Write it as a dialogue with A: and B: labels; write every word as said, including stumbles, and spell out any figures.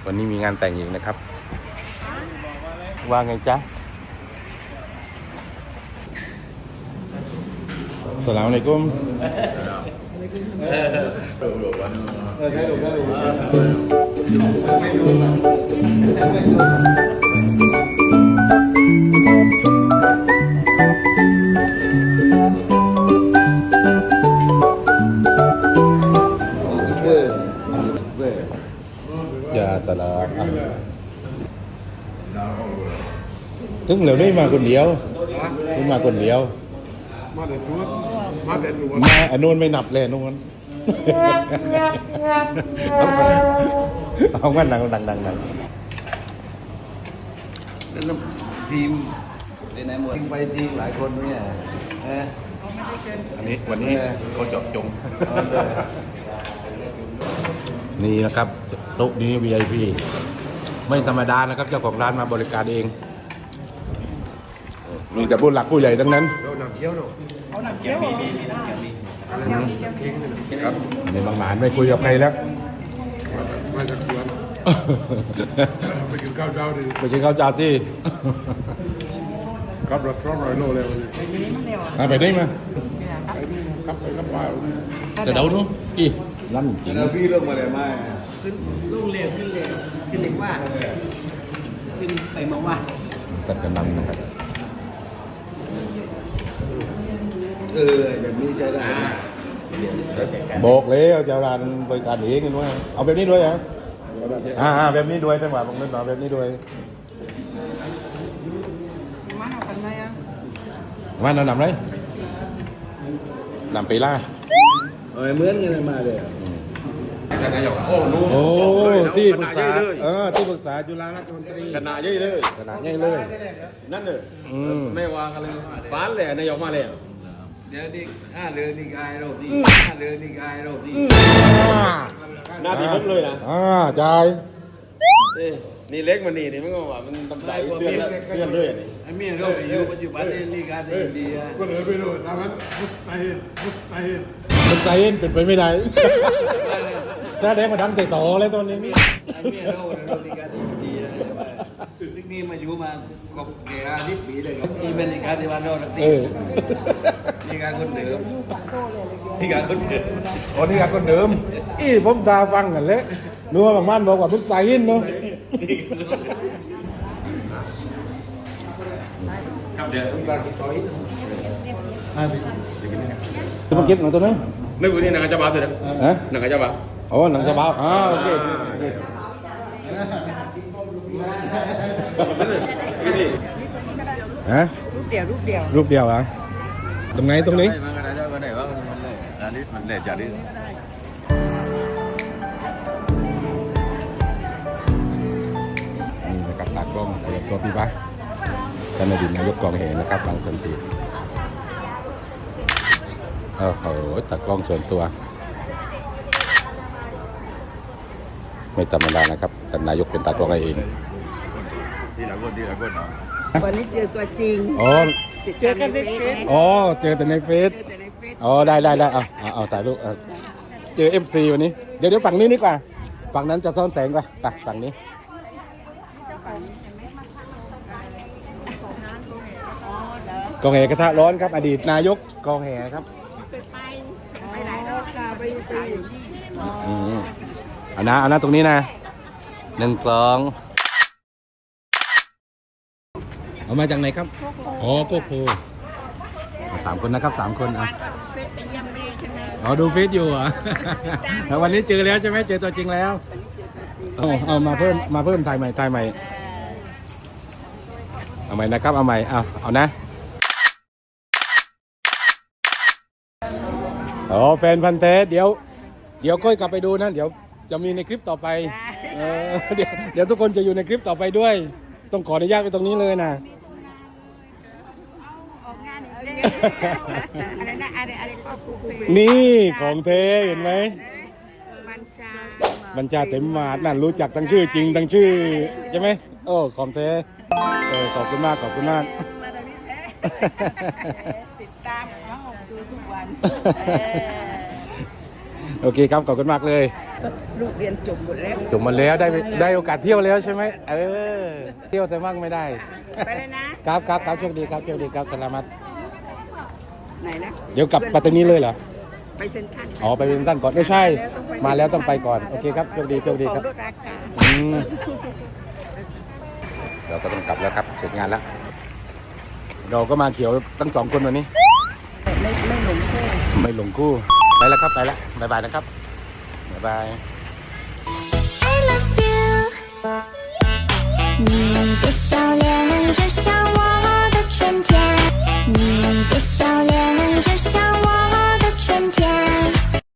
A: วันนี้มีงานแต่งอีกนะครับว่าไงจ๊ะสลามอะลัยกุมอย่าสลามถึงเหลวได้มาคนเดียวถึงมาคนเดียวมาแต่ตัวมาแต่ตัวมาอันนู้นไม่นับเลยนู้นเอางั้นดังดังดังดัง
B: ทีมในไหนหมดไปทีมหลายคนเนี่ย
A: อันนี้วันนี้เขาเจาะจงนี่นะครับโต๊ะนี้ วี ไอ พี ไม่ธรรมดานะครับเจ้าของร้านมาบริการเองมีแต่ผู้หลักผู้ใหญ่ทั้งนั้น
B: เราหนักเคี้ยวเนาะเอาหนักเคี้ยวมีมีมีหนักเคี้ยวมี
A: ครับในบางหมานไม่คุยกับใครแล้ว
B: มาจากสวนไปกินข้าวเช้าดิ
A: ไปกินข้าวเช้าที่
B: ครับรถร้อยโลเลย
A: วันนี้ไปได้มา
B: ไปนี่ครับไปครับป้า
A: จะเดาดูอีลั่นจริง
B: แล้วพี่เรื่องมาเลยมา
C: ขึ้นลุ่งเร็วขึ้นเร็วขึ้นเร็วว่าขึ้นไปมาว่า
A: ตัดกำลังนะครับ
B: เออแบบนี้ใช้ได้
A: บอกเลยเอาเจ้าร้านบริการเองกันว่าเอาแบบนี้ด้วยเหรออ่าแบบนี้ด้วยจังหวะผมนึกว่าแบบนี้ด้วย
C: มาเอากันไหมอ่ะ
A: มาหนำไรหนำปีล่า
B: เออเหมือนกันมาเลย
A: โอ้โหที่ปรึกษาเออที่ปรึกษาจุฬาราชมนตรี
B: ขนาดใหญ่เลย
A: ขนาดใหญ่เลย
B: นั่นเลยไม่วางกันเลยฟ้านเลยนายกมาเลยเดี๋ยวนี่ห้าเรือนี่กายรอบนี้ห้าเรือนี่กายรอบนี้หน้าที่ผมเลยนะ
A: อ่าจ่าย
B: นี่เล็กมันนี่นี่มันก็ว่ามันตำใจเตือนเตือนด้วยนี่ไอ้เมียเราอยู่ปัจจุบันนี่การที่อินเดียก็เลยไปดูนะมันมุสไตน์มุสไตน์
A: มุสไตน์เป็นไปไม่ได้ถ้าแดงมาดังเตะต่อเลยตอนนี้
B: ไอ้เมียเราเราในการที่อินเดียซึ่งนี่มาอยู่มาครบแก่สิบปีเลยครับนี่เป็นการที่วันเราตัดตีนี่การคนเดิมนี่การคนเดิม
A: อ๋อนี่การคนเดิมอีผมตาฟังกันเลยนัวบางบ้านบอกว่ามุสไตน์เนาะ
B: ครับเดี๋ยวต้องการต่อย
A: จะมาเก็บหนังตัวนั้น
B: ไม่รู้นี่หนังจะบ้าตัวเดียวฮะหนังจะบ้า
A: อ๋อหนังจะบ้าอ่าโอเคฮะ
C: รูปเดียวรูปเดียว
A: รูปเดียวอ่ะตรงไหนตรงนี้
B: มันก็ได้ก็ได้ว่ามันเลยอันนี้มันเลยจัดดิ
A: นี่นะครับตากล้องเปิดตัวพี่ปะท่านอดีตนายกกองแห่นะครับบางสันติโอ้โหตากล้องส่วนตัวไม่ธรรมดานะครับท่านนายกเป็นตากล้องเอง
B: ที่หลังคนที่หลังคน
C: วันนี้เจอตัวจริง
A: อ๋อ
C: เจอกันในเฟซ
A: อ๋อเจอแต่ในเฟซอ๋อได้ได้ได้เอาเอาเอาถ่ายรูปเจอเอฟซีวันนี้เดี๋ยวเดี๋ยวฝั่งนี้นี่กว่าฝั่งนั้นจะซ่อนแสงกว่าไปฝั่งนี้กองแห่กระทะร้อนครับอดีตนายกกองแห่ครับ
C: ไปไปไหนรอบค่ะไปไป
A: อืมเอานะเอานะตรงนี้นะหนึ่งสองเอามาจากไหนครับอ๋อโกโก้สามคนนะครับสามคนอ่ะอ๋อดูเฟซอยู่อ่ะแล้ววันนี้เจอแล้วใช่ไหมเจอตัวจริงแล้วเอาเอามาเพิ่มมาเพิ่มถ่ายใหม่ถ่ายใหม่เอาใหม่นะครับเอาใหม่เอาเอานะอ๋อแฟนพันธุ์แท้เดี๋ยวเดี๋ยวค่อยกลับไปดูนะเดี๋ยวจะมีในคลิปต่อไปเออเดี๋ยวเดี๋ยวทุกคนจะอยู่ในคลิปต่อไปด้วยต้องขออนุญาตไปตรงนี้เลยนะนี่ของเทเห็นไหมบัญชาบัญชาเสมมาศนั่นรู้จักทั้งชื่อจริงทั้งชื่อใช่ไหมโอ้ของเทเออขอบคุณมากขอบคุณมาก
C: ติดตามน้องดูทุกวัน
A: โอเคครับขอบคุณมากเลย
D: ลูกเรียนจบหมดแล้ว
A: จบมาแล้วได้ได้โอกาสเที่ยวแล้วใช่ไหมเออเที่ยวแต่มั่งไม่ได้
D: ไปเลยนะครับ
A: ครับครับโชคดีครับโชคดีครับสลามัต
D: ไหนนะ
A: เดี๋ยวกลับปัตตานีเลยเหรอ
D: ไปเซ็นทรัล
A: อ๋อไปเป็นท่านก่อนไม่ใช่ มาแล้วต้องไปก่อนโอเคครับโชคดีโชคดีครับ
D: ของลดราคา
A: อืมเราก็ต้องกลับแล้วครับเสร็จงานแล้ว เราก็มาเขียวทั้งสองคนวันนี้
D: ไม่ไม่หลงคู่
A: ไม่หลงคู่ไปแล้วครับไปแล้วบ๊ายบายนะครับบ๊ายบาย
E: I love you，你的笑脸就像